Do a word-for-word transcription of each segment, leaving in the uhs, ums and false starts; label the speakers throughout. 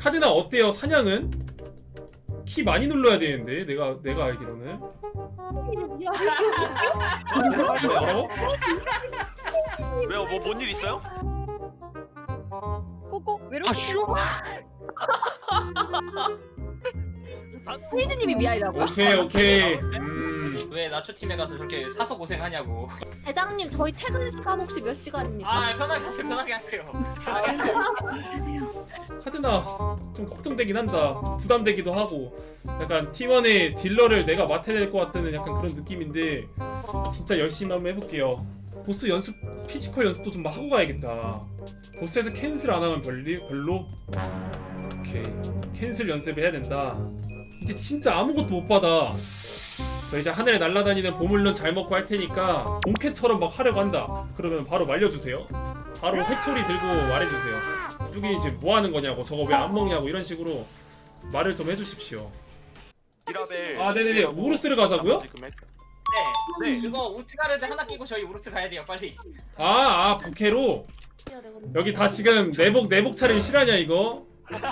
Speaker 1: 카드나 어때요? 사냥은? 키 많이 눌러야 되는데 내가 내가 알기로는. 뭐라고?
Speaker 2: 왜요? 뭐 뭔 일 있어요?
Speaker 3: 꼬꼬 왜 이렇게
Speaker 2: 아슈.
Speaker 3: 혜진님이 미아이라고요?
Speaker 1: 오케이 오케이. 음.
Speaker 4: 왜 나초 팀에 가서 저렇게 사서 고생하냐고.
Speaker 3: 대장님 저희 퇴근 시간 혹시 몇 시간입니까?
Speaker 4: 아 편하게 하세요 편하게 하세요.
Speaker 1: 카드나 좀 걱정되긴 한다. 부담되기도 하고. 약간 팀원의 딜러를 내가 맡아야 될 것 같다는 약간 그런 느낌인데 진짜 열심히 한번 해볼게요. 보스 연습, 피지컬 연습도 좀 하고 가야겠다. 보스에서 캔슬 안 하면 별리, 별로? 오케이. 캔슬 연습을 해야 된다. 이제 진짜 아무것도 못 받아. 저 이제 하늘에 날아다니는 보물론 잘 먹고 할 테니까 본캐처럼 막 하려고 한다. 그러면 바로 말려주세요. 바로 회초리 들고 말해주세요. 뚜기 지금 뭐 하는 거냐고, 저거 왜 안 먹냐고 이런 식으로 말을 좀 해주십시오.
Speaker 2: 이라벨.
Speaker 1: 아 네네네. 우르스를 가자고요?
Speaker 4: 네.
Speaker 2: 네.
Speaker 4: 그거 우트가르드 하나 끼고 저희 우르스 가야 돼요 빨리.
Speaker 1: 아, 아 부캐로? 여기 다 지금 내복 내복 차림 실화냐 이거?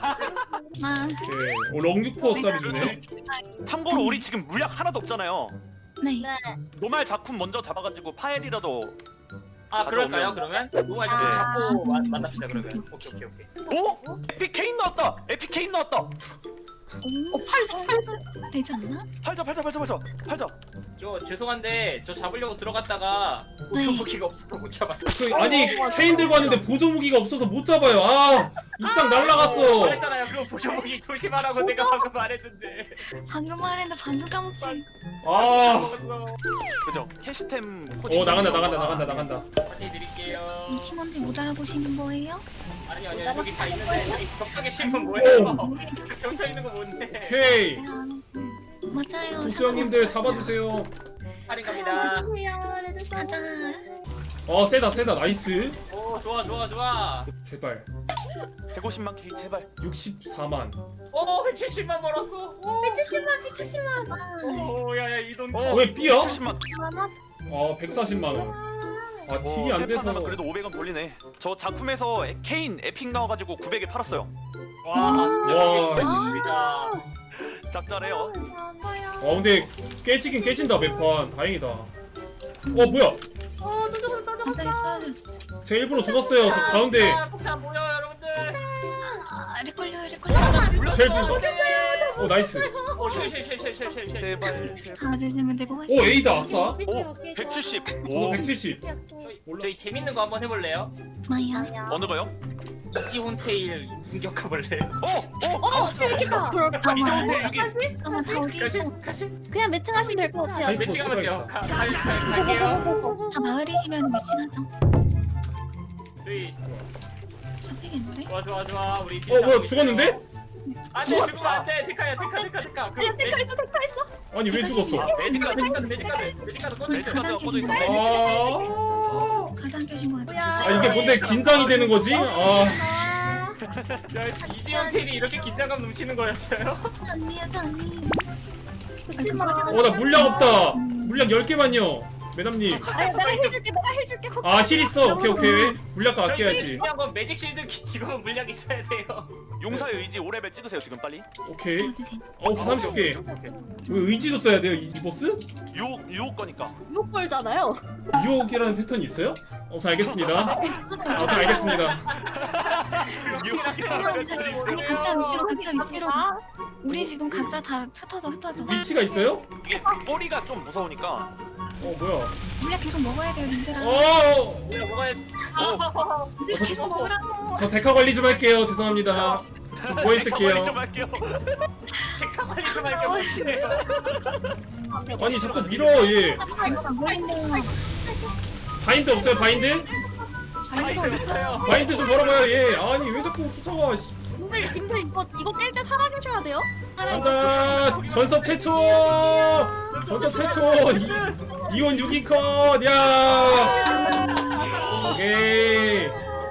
Speaker 3: 아,
Speaker 1: 네. 오 렁육포짜리 주네.
Speaker 2: 참고로 우리 지금 물약 하나도 없잖아요.
Speaker 3: 네.
Speaker 2: 노말 작품 먼저 잡아가지고 파엘이라도.
Speaker 4: 아 그럴까요 그러면? 노말 좀
Speaker 3: 아.
Speaker 4: 잡고 마, 만납시다 그러면. 오케이 오케이 오케이.
Speaker 2: 오? 에픽 케인 나왔다. 에픽 케인 나왔다.
Speaker 3: 어, 팔도 팔도 되지 않나?
Speaker 2: 팔자 팔자 팔자 팔자 팔자.
Speaker 4: 저 죄송한데 저 잡으려고 들어갔다가
Speaker 3: 네.
Speaker 4: 보조무기가 없어서 못 잡았어요.
Speaker 1: 그, 아니 케인 들고 왔는데 보조 무기가 없어서 못 잡아요. 아 입장 날라갔어.
Speaker 4: 말했잖아요 그거 보조무기 조심하라고 내가 방금 말했는데.
Speaker 3: 방금 말했는데 방금 까먹지.
Speaker 1: 아.
Speaker 4: 먹었어.
Speaker 2: 그죠? 캐시템 코디.
Speaker 1: 어 나간다 나간다 나간다 나간다.
Speaker 4: 파티 드릴게요.
Speaker 3: 이 팀원들 못 알아보시는 거예요?
Speaker 4: 아니 아니 여기 다 있는데 여기 격투기 실은 뭐예요? 겹쳐 있는 거 뭔데?
Speaker 1: 오케이.
Speaker 3: 내가 아는 맞아요.
Speaker 1: 보스 형님들 잡아주세요.
Speaker 4: 할인 갑니다.
Speaker 3: 가자.
Speaker 1: 어 세다 세다 나이스.
Speaker 4: 오 좋아 좋아 좋아.
Speaker 1: 제발.
Speaker 2: 백오십만 K 제발.
Speaker 1: 육십사만.
Speaker 4: 오 백칠십만 벌었어. 오
Speaker 3: 백칠십만 백칠십만.
Speaker 4: 오, 야야 이 돈.
Speaker 2: 어.
Speaker 1: 왜 B야?
Speaker 2: 칠십만.
Speaker 1: 어 백사십만 원. 아 딜이
Speaker 2: 어,
Speaker 1: 안
Speaker 2: 세판
Speaker 1: 돼서.
Speaker 2: 하면 그래도 오백 원 벌리네. 저 작품에서 에- 케인 에픽 나와가지고 구백에 팔았어요.
Speaker 4: 와
Speaker 1: 와,
Speaker 4: 진짜
Speaker 2: 짭짤해요.
Speaker 1: 어 근데 깨지긴 깨진다 매판. 다행이다. 어 뭐야?
Speaker 3: 갑자기 떨어졌어.
Speaker 1: 제가 일부러 죽었어요. 저 가운데
Speaker 4: 폭탄 모여 여러분들.
Speaker 3: 아, 렉 걸려 렉 걸려.
Speaker 1: 쉘 준다. 어 나이스.
Speaker 4: 오쉘쉘쉘쉘쉘쉘.
Speaker 2: 제발 제발.
Speaker 3: 가져주면 되고.
Speaker 1: 오 A다 아싸.
Speaker 2: 오 백칠십.
Speaker 1: 저도
Speaker 2: 오
Speaker 1: 백칠십.
Speaker 4: 저희 재밌는 거 한번 해볼래요?
Speaker 3: 마야.
Speaker 2: 어느 거요?
Speaker 4: 이지혼테일 공격해 볼래요?
Speaker 2: 어! 어! 어!
Speaker 5: 재밌겠다.
Speaker 2: 이정대 여기.
Speaker 3: 잠깐만 다 어디
Speaker 4: 가시
Speaker 3: 있어?
Speaker 4: 가시.
Speaker 5: 그냥 매칭하시면 될 것 같아요.
Speaker 1: 아니,
Speaker 4: 매칭하면 돼요.
Speaker 1: 찍어야겠다.
Speaker 4: 가, 가, 가, 갈게요.
Speaker 3: 다 마을이시면 매칭하죠.
Speaker 4: 저희
Speaker 3: 잡히겠는데?
Speaker 4: 좋아 좋아 좋아 우리.
Speaker 1: 어 뭐야 죽었는데?
Speaker 4: 안돼 죽으면 안돼. 데카야 데카 데카 데카. 그
Speaker 5: 아니야, 데카 있어, 데카 있어.
Speaker 1: 아니 왜 죽었어?
Speaker 4: 매직카드 매직카드 매직카드 매직카드 꺼져 있어.
Speaker 2: 매직카드가 꺼져 있어.
Speaker 1: 아,
Speaker 3: 가장 껴신 것 같아.
Speaker 1: 아 이게 뭔데 긴장이 되는 거지? 아
Speaker 5: 아,
Speaker 4: 야씨 이지혼테일이 이렇게 긴장감 넘치는 거였어요?
Speaker 3: 언니야 언니.
Speaker 1: 어 나 물약 없다. 물약 열 개만요. 매담님.
Speaker 5: 아니, 내가 해줄게, 내가 해줄게.
Speaker 1: 아 힐 있어. 오케이 오케이. 물약
Speaker 4: 저희 제일
Speaker 1: 아껴야지.
Speaker 4: 중요한 건 매직 실드 지금은 물약 있어야 돼요.
Speaker 2: 용사의 의지 오 레벨 찍으세요 지금 빨리.
Speaker 1: 오케이.
Speaker 3: 어디 돼?
Speaker 1: 어 오케이 삼십 개. 왜 의지도 써야 돼요 이, 이 보스?
Speaker 2: 유혹 유혹 거니까.
Speaker 5: 육 벌잖아요.
Speaker 1: 유혹이라는 패턴이 있어요? 어, 잘 알겠습니다. 어, 잘 알겠습니다.
Speaker 2: 유혹이라는
Speaker 3: 아니 각자 위치로 각자 위치로.
Speaker 5: 아,
Speaker 3: 우리 지금 각자 다 흩어져 흩어져.
Speaker 1: 위치가 있어요?
Speaker 2: 이게 꼬리가 좀 무서우니까.
Speaker 1: 어 뭐야?
Speaker 3: 물약 계속 먹어야 돼요 님들아.
Speaker 1: 어,
Speaker 4: 뭐야 뭐가
Speaker 2: 어.
Speaker 3: 우리 계속 먹으라고.
Speaker 1: 저 데카 관리 좀 할게요. 죄송합니다. 좀 누워 있을게요.
Speaker 2: 가만히 좀 할게요.
Speaker 4: 데카 관리 좀 할게 못해요.
Speaker 1: 아니 자꾸 밀어 얘.
Speaker 3: 이거 안 보이는데요.
Speaker 1: 바인드 없어요 바인드?
Speaker 3: 아이고
Speaker 4: 됐어요.
Speaker 1: 바인드 좀 걸어봐요 얘. 아니 왜 자꾸 쫓아와? 씨.
Speaker 5: 님들, 님들 이거 이거 깰 때 살아계셔야 돼요.
Speaker 1: 간다. 전섭 최초. 전섭 최초. 이, 이온 육 위 컷. 야. 오케이.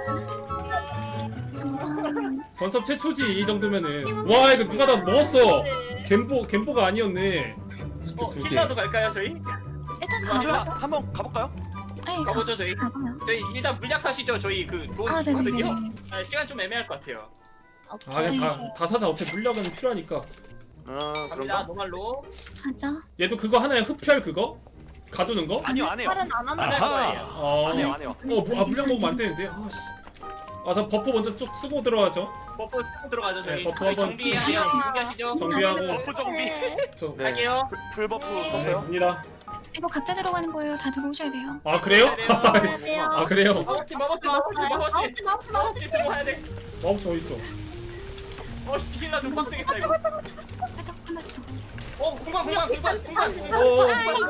Speaker 1: 전섭 최초지 이 정도면은. 와 이거 누가 다 먹었어. 겜보 겜보가 아니었네.
Speaker 4: 어,
Speaker 1: 두 개.
Speaker 4: 힐러도 갈까요 저희?
Speaker 3: 일단
Speaker 2: 힐러
Speaker 3: 가보자.
Speaker 2: 한번 가볼까요?
Speaker 3: 아니
Speaker 4: 가보죠, 저희.
Speaker 3: 가봐요.
Speaker 4: 저희 일단 물약 사시죠 저희 그 돈
Speaker 3: 아
Speaker 4: 있거든요.
Speaker 3: 네네네.
Speaker 4: 아, 시간 좀 애매할 것 같아요.
Speaker 5: 오케이.
Speaker 1: 아 그냥 다, 다 사자. 어차피 물약은 필요하니까.
Speaker 2: 아
Speaker 4: 갑니다.
Speaker 2: 그런가?
Speaker 4: 노말로.
Speaker 3: 가자.
Speaker 1: 얘도 그거 하나에 흡혈 그거? 가두는 거?
Speaker 2: 아니요 안 해요.
Speaker 5: 팔은 안 하는
Speaker 4: 안 할
Speaker 5: 거예요.
Speaker 4: 거예요.
Speaker 1: 어,
Speaker 2: 안 해요 안 해요.
Speaker 1: 어, 뭐, 아 물량 먹으면 안 되는데. 아씨. 아, 저 버프 먼저 쭉 쓰고 들어가죠.
Speaker 4: 버프 쓰고 들어가죠 저희.
Speaker 1: 네, 버프
Speaker 4: 저희
Speaker 1: 한번
Speaker 4: 정비하세요.
Speaker 5: 좀-
Speaker 4: 준비하시죠.
Speaker 1: 정비하고
Speaker 2: 버프 정비.
Speaker 5: 네.
Speaker 1: 저
Speaker 2: 네.
Speaker 4: 갈게요.
Speaker 2: 풀- 풀 버프
Speaker 3: 네.
Speaker 2: 썼어요?
Speaker 1: 갑니다.
Speaker 3: 이거 각자 들어가는 거예요. 다 들어오셔야 돼요.
Speaker 1: 아 그래요?
Speaker 5: 들어가야 돼요.
Speaker 1: 아 그래요?
Speaker 4: 마법지 마법지 마법지 마법지
Speaker 5: 마법지 마법지
Speaker 4: 마법지
Speaker 5: 마법지.
Speaker 4: 들어가야 돼.
Speaker 1: 마법지 어디 있어?
Speaker 4: 어씨 힐라 좀 빡세겠다 이거.
Speaker 3: 살짝 화났어.
Speaker 4: 어 공간 공간 공간 공간.
Speaker 1: 어, 어, 어.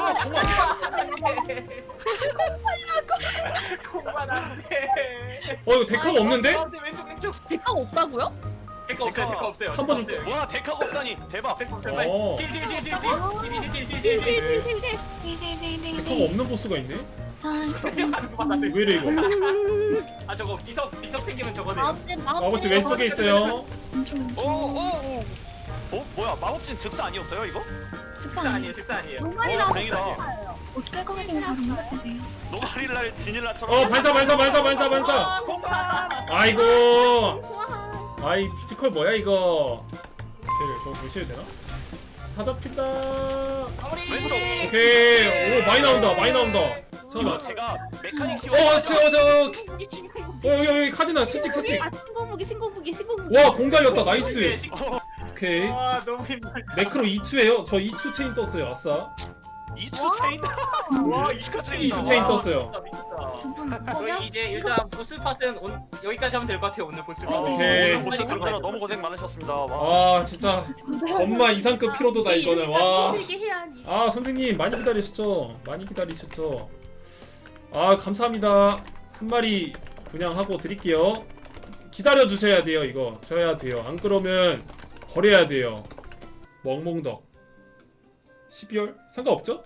Speaker 4: 공간 안돼.
Speaker 1: 어 이거 데카가 없는데?
Speaker 4: 왼쪽 왼쪽.
Speaker 5: 대가가 없다고요?
Speaker 4: 데카 없어요 데카 없어요.
Speaker 1: 한번 좀-
Speaker 4: 없어요.
Speaker 2: 와 데카가 없다니 대박.
Speaker 4: 제발.
Speaker 1: 어.
Speaker 4: 딜딜딜딜딜딜딜딜딜딜.
Speaker 5: 딜딜딜딜.
Speaker 3: 네네네네네.
Speaker 1: 데카가 없는 보스가 있네?
Speaker 3: 자,
Speaker 1: 왜 이래 이거?
Speaker 4: 아 저거 미석 미석 생기면 저거네요.
Speaker 5: 마법지
Speaker 1: 마법지
Speaker 5: 마법지
Speaker 1: 왼쪽에 있어요.
Speaker 3: 왼쪽 왼쪽.
Speaker 2: 오오오. 어 뭐야 마법진 즉사 아니었어요 이거?
Speaker 3: 식사
Speaker 4: 식사
Speaker 3: 아니에요.
Speaker 4: 아니에요 식사 아니에요.
Speaker 5: 노말이라고
Speaker 2: 어, 다행이다.
Speaker 5: 했어요.
Speaker 3: 옷 끌고 가지면 바로 물드세요
Speaker 2: 노가리날 지닐라처럼.
Speaker 1: 어 반사 반사 반사 반사 반사.
Speaker 4: 아 공간.
Speaker 1: 아이고.
Speaker 5: 와.
Speaker 1: 아이 피지컬 뭐야 이거? 오케이 저거 무시해도 되나? 다 잡힌다.
Speaker 4: 마무리.
Speaker 2: 왼쪽.
Speaker 1: 오케이. 오 많이 나온다 많이 나온다.
Speaker 2: 이거
Speaker 1: 잠깐만.
Speaker 2: 제가 메카닉 키워.
Speaker 1: 어, 저, 저,
Speaker 4: 이 친구.
Speaker 1: 어, 여기, 여기 카디나 실직, 실직.
Speaker 5: 아 신고무기 신고무기 신고무기.
Speaker 1: 와, 공 달렸다, 나이스.
Speaker 2: 어,
Speaker 1: 오케이.
Speaker 4: 와 너무 힘들다.
Speaker 1: 매크로 이 추예요. 저 이 추 체인 떴어요, 아싸.
Speaker 2: 이추 체인. 와 이추 체인.
Speaker 1: 이추 체인 떴어요.
Speaker 4: 미쳤다. 저희 이제 일단 보스 파트는 온, 여기까지 하면 될 것 같아요 오늘 보스 파트.
Speaker 1: 오케이.
Speaker 2: 보스 들어가라 너무 고생 많으셨습니다. 와.
Speaker 1: 아, 진짜. 건마 이상급 피로도다, 이거는. 와.
Speaker 5: 힘들게 해야 하니.
Speaker 1: 아, 선생님, 많이 기다리셨죠? 많이 기다리셨죠? 아, 감사합니다. 한 마리 분양하고 드릴게요. 기다려주셔야 돼요, 이거. 져야 돼요. 안 그러면 버려야 돼요. 멍멍덕. 십이월? 상관없죠?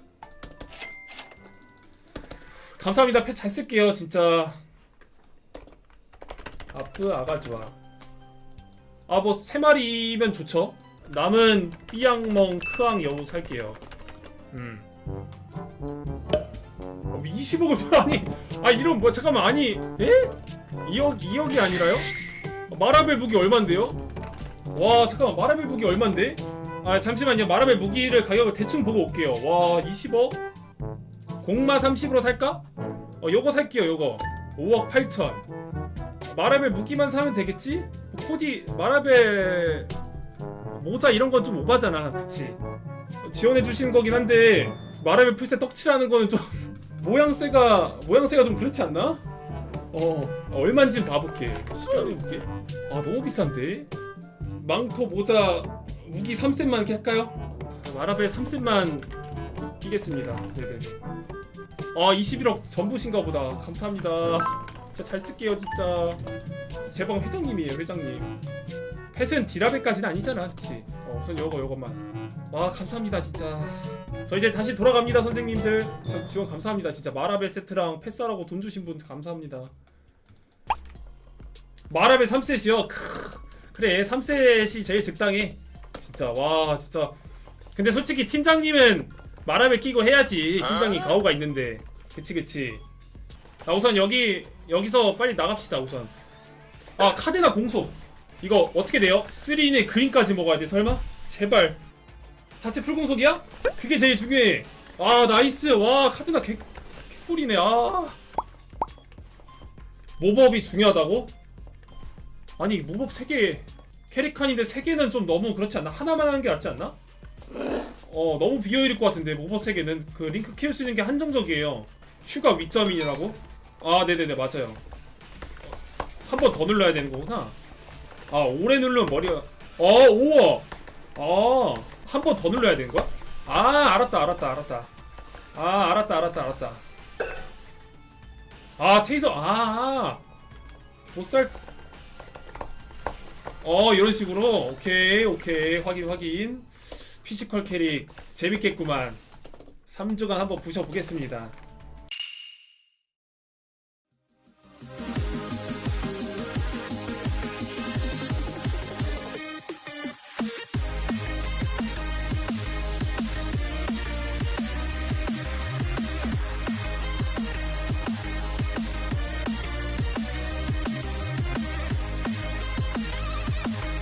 Speaker 1: 감사합니다. 펫 잘 쓸게요, 진짜. 아프, 아가 좋아. 아, 뭐, 세 마리면 좋죠? 남은 삐양멍, 크앙, 여우 살게요. 음. 어, 이십억은 아니, 아, 이런, 뭐, 잠깐만, 아니, 에? 이억, 이억이 아니라요? 마라벨 무기 얼만데요? 와, 잠깐만, 마라벨 무기 얼만데? 아, 잠시만요. 마라벨 무기를 가격을 대충 보고 올게요. 와, 이십억? 공마 삼십으로 살까? 어, 요거 살게요, 요거. 오억 팔천. 마라벨 무기만 사면 되겠지? 뭐 코디, 마라벨 모자 이런 건 좀 오바잖아, 그치? 어, 지원해주시는 거긴 한데, 마라벨 풀셋 떡칠하는 거는 좀, 모양새가, 모양새가 좀 그렇지 않나? 어, 얼만지 봐볼게. 시간해볼게. 아, 너무 비싼데? 망토, 모자, 무기 삼 셋만 이렇게 할까요? 마라벨 삼 셋만 끼겠습니다. 네네. 아, 이십일억 전부신가 보다. 감사합니다. 진짜 잘 쓸게요, 진짜. 제 방 회장님이에요, 회장님. 펫은 디라벨까지는 아니잖아, 그치? 어, 우선 요거, 요것만. 와, 감사합니다, 진짜. 저 이제 다시 돌아갑니다, 선생님들. 저 지원 감사합니다, 진짜. 마라벨 세트랑 펫 사라고 돈 주신 분 감사합니다. 마라벨 삼 셋이요? 크으. 그래, 삼 셋이 제일 적당해. 진짜, 와, 진짜. 근데 솔직히 팀장님은 마라벨 끼고 해야지. 팀장님 가오가 있는데. 그치, 그치. 아, 우선 여기, 여기서 빨리 나갑시다, 우선. 아, 카데나 공속. 이거 어떻게 돼요? 쓰리인의 그린까지 먹어야 돼, 설마? 제발. 자체 풀공속이야? 그게 제일 중요해. 아, 나이스. 와, 카데나 개, 개꿀이네. 아. 모법이 중요하다고? 아니, 모법 세 개. 캐릭칸인데 세 개는 좀 너무 그렇지 않나? 하나만 하는 게 낫지 않나? 어, 너무 비효율일 것 같은데, 모법 세 개는. 그 링크 키울 수 있는 게 한정적이에요. 휴가 위점이라고? 아, 네네네, 맞아요. 한 번 더 눌러야 되는 거구나. 아, 오래 누르면 머리가. 어, 우와! 아, 한 번 더 눌러야 되는 거야? 아, 알았다, 알았다, 알았다. 아, 알았다, 알았다, 알았다. 아, 체이서, 아, 못살. 어, 이런 식으로. 오케이, 오케이. 확인, 확인. 피지컬 캐릭. 재밌겠구만. 삼 주간 한번 부셔보겠습니다.